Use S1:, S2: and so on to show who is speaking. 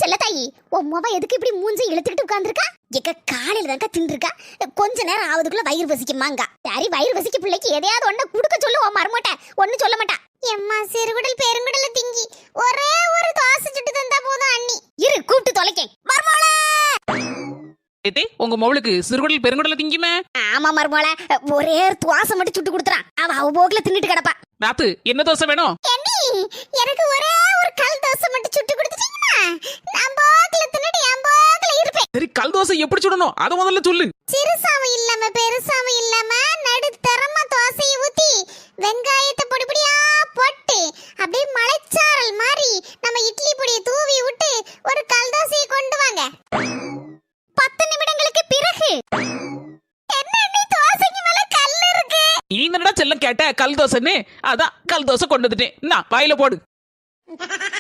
S1: செல்ல தாயி, உன் முவ எதுக்கு இப்படி மூஞ்சி இழுத்துக்கிட்டு உட்கார்ந்துருக்கா? எக்க காலையில தான்க்கா தின்றுருக்கா, கொஞ்ச நேரம் ஆவதுக்குள்ள வயிறு வசிக்குமாங்க. சரி, வயிறு வசிக்க பிள்ளைக்கு எதையாவது ஒண்ணு குடுக்க சொல்லு, உன் மருமட்ட ஒண்ணு சொல்ல மாட்டா. எம்மா சிறுகுடல் பெருங்குடல திங்கி ஒரே ஒரு தோசை சுட்டு தந்தா போதும் அண்ணி. இரு கூப்பிட்டு தொலைக்கேன். மருமோளே,
S2: உங்க மவுளுக்கு சிறுகுடல் பெருங்குடல திங்குமே?
S1: ஆமா மருமோளே, ஒரே ஒரு தோசை மட்டும் சுட்டு கொடுத்துறான். அவ போக்குல தின்னுட்டு கிடப்பா.
S2: நாத்து, என்ன தோசை வேணும்?
S1: எனக்கு ஒரே ஒரு கல் தோசை மட்டும் சுட்டு கொடுத்துட்டீங்கன்னா நான் போக்குல தின்னுட்டு என் போக்குல இருப்பேன்.
S2: சரி, கல் தோசை எப்படி சுடணும் அத முதல்ல சொல்லு.
S1: சிறுசாவும் இல்லாம பெருசாவும் இல்லாம நடுத்தரமா தோசையை ஊத்தி வெங்காயத்தை பொடிபொடியா போட்டு அப்படியே மலைச்சாரல் மாதிரி நம்ம இட்லி பொடியை தூவி விட்டு ஒரு கல் தோசையை கொண்டு வாங்க. 10 நிமிடங்களுக்கு பிறகு என்ன தோசைக்கு மேல கல் இருக்கு?
S2: நீ என்னடா செல்லம் கேட்ட கல் தோசைன்னு? அதான் கல் தோசை கொண்டு வந்துட்டேன். நான் வாயில போடு.